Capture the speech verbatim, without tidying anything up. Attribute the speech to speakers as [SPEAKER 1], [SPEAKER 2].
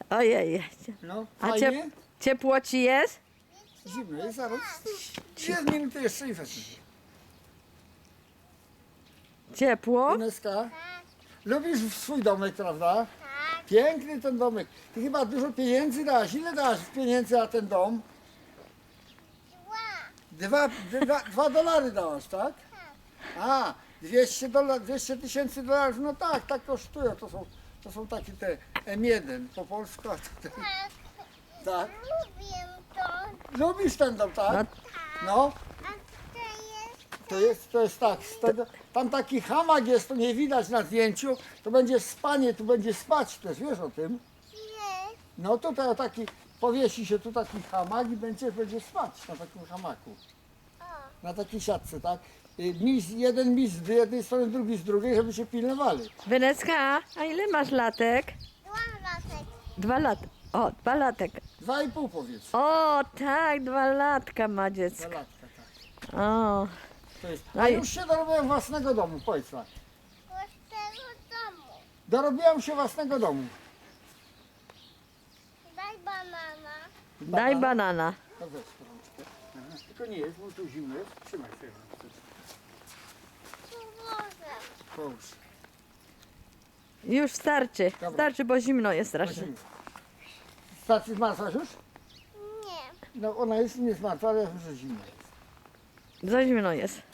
[SPEAKER 1] Ojej.
[SPEAKER 2] No,
[SPEAKER 1] A
[SPEAKER 2] fajnie.
[SPEAKER 1] ciep ciepło ci jest?
[SPEAKER 2] Zimno jest, zaraz. Dwie minuty jeszcze i wezmę.
[SPEAKER 1] Ciepło?
[SPEAKER 2] Ineska, lubisz swój domek, prawda? Piękny ten domek. Ty chyba dużo pieniędzy dałaś. Ile dałaś pieniędzy na ten dom? Dwa, dwa, dwa dolary dałaś, tak? A, dwieście dolarów, dwieście tysięcy dolarów, no tak, tak kosztują. To są, to są takie te M jeden po polsku. A to te,
[SPEAKER 3] Tak,
[SPEAKER 2] tak.
[SPEAKER 3] lubię to.
[SPEAKER 2] Lubisz ten dom, tak? No,
[SPEAKER 3] A to jest
[SPEAKER 2] to jest, to jest tak. z tego- Tam taki hamak jest, to nie widać na zdjęciu. To będzie spanie, tu będzie spać też, wiesz o tym?
[SPEAKER 3] jest.
[SPEAKER 2] No tutaj o taki, powiesi się tu taki hamak i będzie, będzie spać na takim hamaku.
[SPEAKER 3] O,
[SPEAKER 2] Na takiej siatce, tak? Y, Mis, jeden mis z jednej strony, drugi z drugiej, żeby się pilnowali.
[SPEAKER 1] Weneska, a ile masz latek?
[SPEAKER 3] dwa latek.
[SPEAKER 1] Dwa lat. O, dwa latek.
[SPEAKER 2] Dwa i pół powiedz.
[SPEAKER 1] O, tak, dwa latka ma
[SPEAKER 2] Dwa
[SPEAKER 1] dziecko.
[SPEAKER 2] latka, tak.
[SPEAKER 1] O,
[SPEAKER 2] To jest.
[SPEAKER 1] No
[SPEAKER 2] A
[SPEAKER 1] i-
[SPEAKER 2] już się dorobiłem własnego domu, powiedz tak.
[SPEAKER 3] Z tego domu.
[SPEAKER 2] Dorobiłem się własnego domu.
[SPEAKER 3] Daj banana.
[SPEAKER 1] daj banana.
[SPEAKER 2] No weź rączkę. Aha. Tylko nie jest, bo tu zimno jest. Trzymaj sobie rączkę.
[SPEAKER 3] Położę.
[SPEAKER 2] Połóż.
[SPEAKER 1] Już starczy.
[SPEAKER 2] Dobra.
[SPEAKER 1] Starczy, bo zimno jest
[SPEAKER 2] To
[SPEAKER 1] strasznie.
[SPEAKER 2] zimno. Stacji zmartwaś już?
[SPEAKER 3] Nie.
[SPEAKER 2] No ona jest nie zmartwa, ale już zimno jest.
[SPEAKER 1] Za zimno jest.